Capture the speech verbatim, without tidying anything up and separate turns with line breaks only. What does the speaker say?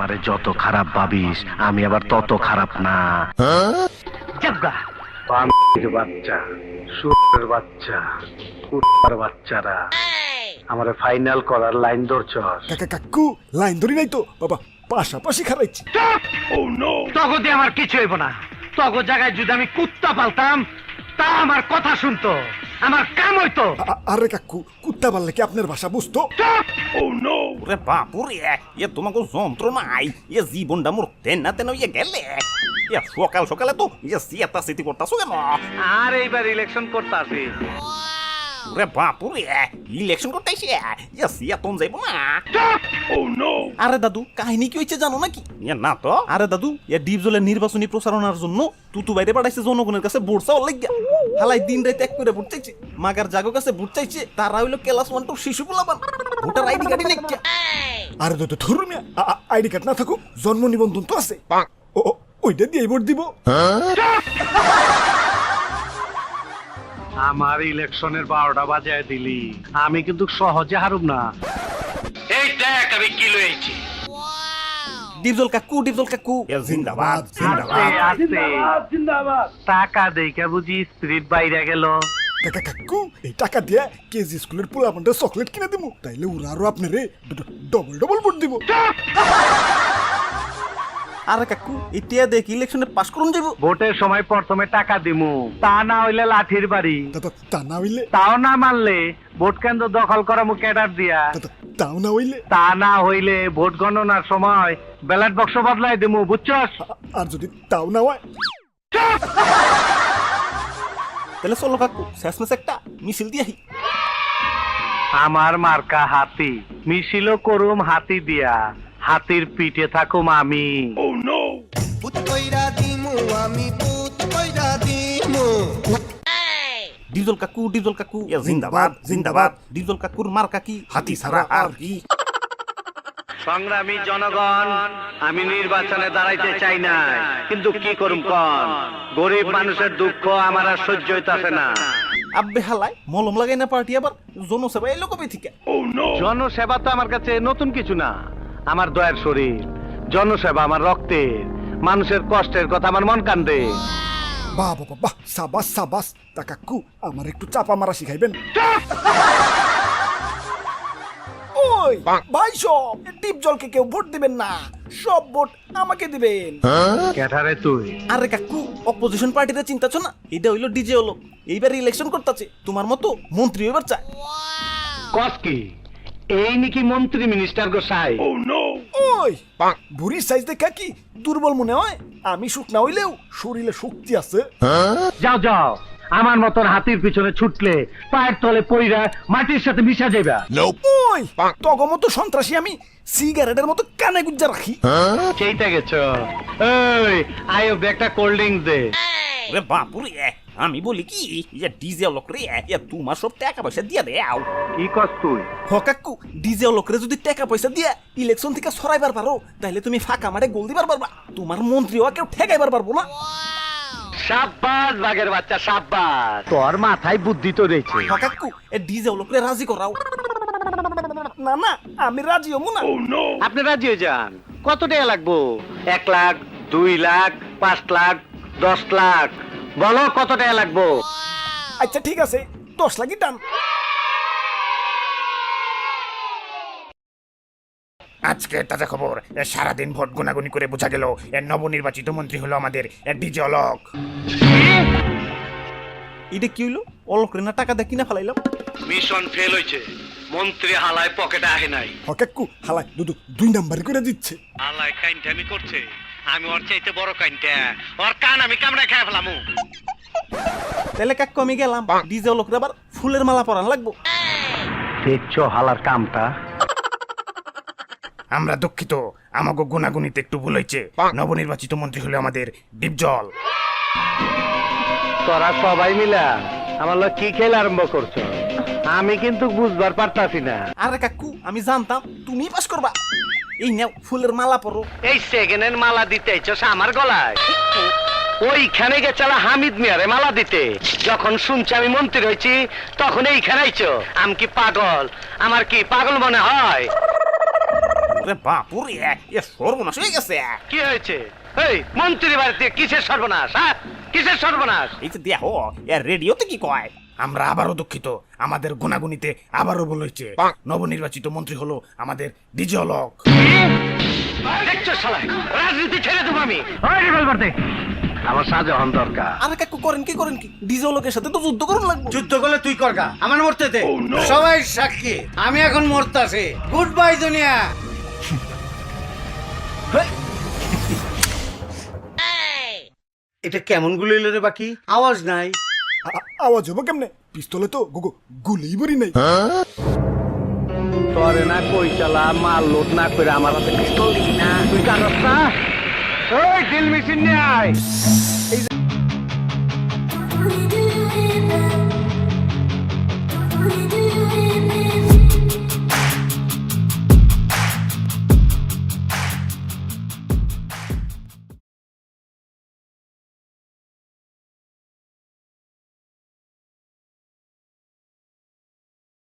আমারে যত খারাপ ভাবিস আমি আবার তত খারাপ না।
জাগা
বান্দির বাচ্চা, সুরের বাচ্চা, কুত্তার বাচ্চারা আমারে ফাইনাল করার লাইন ধরছস।
কাকা কাকু লাইন ধরি নাই তো বাবা, পাশাপাশি খারাইছি।
তগদে আমার কিছু হইব না। তগ জায়গায় যদি আমি কুত্তা পালতাম তা আমার কথা শুনতো, আমার কাম হইতো।
আ- আরে কাকু, কুত্তা পাললে কি আপনার ভাষা বুঝতো?
ওরে বাপুরে, এ তোমাকে যন্ত্র নাই, এ জীবনটা মোর তেনা তেন ইয়ে গেলে। এ সকাল সকালে তো ইয়ে সিয়াতা সিটি করতাছো কেন?
আর এইবার ইলেকশন করতে আসি।
ওরে বাপুরে, ইলেকশন করতে আইছে, ইয়ে সিয়াতন যাইব না। আরে দাদু, কাহিনী কি হইছে জানো নাকি? এ না তো। আরে দাদু, এ ডিপজলের নির্বাচনী প্রচারণার জন্য তুতু বাইরে পাঠাইছে জনগণের কাছে ভোট চাওয়ার লাগিয়া। হালাই দিন রাত এক করে ভোট চাইছে, মাগার জাগো কাছে ভোট চাইছে। তারা হইলো ক্লাস ওয়ান টু শিশু পোলাপান, ভোটার আইডি কার্ডই নেই।
আরে তো ধরুন আইডি কার্ড না থাকুক, জন্ম নিবন্ধন তো আছে। ও ও, ওইটা দিয়ে ভোট দিব।
আমার ইলেকশনের বারোটা বাজায় দিলি, আমি কিন্তু সহজে হারুম না। এই দেখ আমি কি লইছি।
ডিপজল কাকু, ডিপজল কাকু, এ জিন্দাবাদ, জিন্দাবাদ।
জিন্দাবাদ। টাকা দেইখা বুঝি স্পিরিট বাইরে গেল।
কাকা কাকু, এই টাকা দিয়ে কেজি স্কুলের পোলাপানটা চকলেট কিনে দিব, তাইলে ওরা আরো আপনারে ডবল ডবল ভোট দিব।
আরে কাকু, ইতিয়া দেখ ইলেকশনে পাস করুন যাইব।
ভোটের সময় প্রথমে টাকা দিমু, তা না হইলে লাঠির বাড়ি।
তা তো তা না হইলে,
তাও না মানলে ভোট কেন্দ্র দখল করা মু ক্যাডার দিয়া।
তা তো তাও না হইলে,
তা না হইলে ভোট গণনার সময় ব্যালট বক্স বদলাই দিমু, বুঝছস?
আ- আর যদি তাও না হয়,
তাহলে চলো কাকু, শেষমেশ একটা মিছিল দিয়ে আহি।
আমার মার্কা হাতি, মিছিলও করুম হাতি দিয়া, হাতির পিঠে থাকুম আমি।
পুত কইরা দিমু আমি পুত কইরা দিমু
ডিপজল কাকু, ডিপজল কাকু, এ জিন্দাবাদ, জিন্দাবাদ। ডিপজল কাকুর মার্কা কি? হাতি ছাড়া আর কি?
সংগ্রামী জনগণ, আমি নির্বাচনে দাঁড়াইতে চাই না, কিন্তু কি করুম কন, গরিব মানুষের দুঃখ আমার আর সহ্য হইতাছে না।
আব্বে হালাই মলম লাগাই না পার্টি আবার জনসেবা এলো কবে থেকে?
জনসেবা তো আমার কাছে নতুন কিছু না, আমার দয়ার শরীর। জনসেবা আমার রক্তের, মানুষের কষ্টের কথা আমার মন কান্দে।
বাহ বাবা বাহ, সাবাস সাবাস। তা কাকু, আমার একটু চাপা মারা শিখাইবেন? ওই ভাই, সব ডিপ জলকে কেউ ভোট দিবেন না, সব ভোট আমাকে দিবেন।
ক্যাঠারে তুই?
আরে কাকু, অপোজিশন পার্টিতে চিন্তাছো না? এটা হইলো ডিজে হলো, এইবার ইলেকশন করতেছে, তোমার মতো মন্ত্রী এবার চায়।
কস কি? এই নাকি মন্ত্রী মিনিস্টার গোসাই?
ওই বুড়ির সাইজ দেখা কি দুর্বল মনে হয়? আমি সুখ না হইলেও শরীরে শক্তি আছে।
যাও যাও, আমার মতন হাতির পিছনে ছুটলে পায়ের তলে পইরা মাটির সাথে মিশা যাইবা।
ওই তগো মতো সন্ত্রাসী আমি সিগারেটের মতো কানে গুজ্জা রাখি।
সেইটা গেছো। এই আয়ো একটা কোল্ড ড্রিঙ্কস দে।
ওরে বাপুরে, আমি বলি কি, ইয়া ডিজে লোক রে, ইয়া তোমার সব টাকা পয়সা দিয়া দেও।
কি কস তুই?
হ কাকু, ডিজে লোকরে যদি টাকা পয়সা দিয়া ইলেকশন থেকে সরাইবার পারো, তাহলে তুমি ফাঁকা মাঠে গোল দিবার পারবা, তোমার মন্ত্রীও কেউ ঠেকাইবার পারবো না।
সাব্বাস বাঘের বাচ্চা, সাব্বাস। তোর মাথায় বুদ্ধি তো রয়েছে।
হ কাকু, এ ডিজে লোকরে রাজি করাও।
না না, আমি রাজি হবো না।
আপনি রাজি হয়ে যান। কত টাকা লাগবো? এক লাখ, দুই লাখ, পাঁচ লাখ, দশ লাখ? বলো কত টাকা লাগবো?
আচ্ছা ঠিক আছে, দশ লাখই টান।
আজকে তাজা খবর, এ সারাদিন ভোট গুনাগুনি করে বোঝা গেল এর নবনির্বাচিত মন্ত্রী হলো আমাদের ডিজে অলোক।
এটা কি হইলো? অলোক রে না টাকা দিয়ে কিনা ফেলাইলাম।
মিশন ফেল হয়েছে, মন্ত্রী হালায় পকেটে আহে নাই।
হ কাকু, হালাই দুদু দুই নাম্বার করে দিচ্ছে।
হালায় কাইনটামি করছে, আমি ওর চাইতে বড় কাইনটা, ওর কান আমি কামড়ে খেয়ে ফেলামু।
তাহলে কাকু আমি গেলাম, ডিজে লোকরে আবার ফুলের মালা পরান লাগবো।
দেখছো হালার কামটা?
আমরা দুঃখিত, আমাকে গুনাগুনিতে একটু ভুল হয়েছে। নবনির্বাচিত মন্ত্রী হলো আমাদের ডিপজল।
তোরা সবাই মিলা আমার লোক কি খেলা আরম্ভ করছো? আমি কিন্তু বুঝবার পারতাছি না।
আরে কাকু, আমি জানতাম তুমি পাস করবা। এই নাও ফুলের মালা পরো।
এই সেকেন্ডের মালা দিতে চাস আমার গলায়? ওইখানে গেছালা হামিদ মিয়ারে মালা দিতে। যখন শুনছি আমি মন্ত্রী হয়েছি তখন এইখানে আইছো। আমি কি পাগল? আমার কি পাগল মনে হয়?
ওরে বাপুরে এ সর্বনাশ হয়ে গেছে।
কি হয়েছে? এই মন্ত্রী বাড়িতে কিসের সর্বনাশ? হ্যাঁ, কিসের সর্বনাশ?
এই যে দেখো এ রেডিওতে কি কয়।
আমরা আবারও দুঃখিত, আমাদের গুনাগুনিতে আবারও ভুল হয়েছে। নবনির্বাচিত মন্ত্রী হলো আমাদের ডিজে অলোক।
দেখছো শালা, রাজনীতি ছেড়ে দেবো আমি। ওই রিভলভার দে। আমার শাহজাহান দরকার।
আরে কাকু করেন কি করেন কি, ডিজে লোকের সাথে তো যুদ্ধ করুন লাগবে।
যুদ্ধ করলে তুই করগা, আমার মরতে দে। সবাই সাক্ষী, আমি এখন মরতাছি। গুড বাই দুনিয়া। এটা কেমন গুলি এলো রে? বাকি আওয়াজ নাই।
আ- আওয়াজ হবো কেমনে? পিস্তলে তো গো গুলি বড়ি নাই।
তোরে না কই চালা মাল লোড না করে আমার হাতে পিস্তল দিবি না। তুই জানোস না? ওই ড্রিল মেশিন নিয়ে আয়। এই যে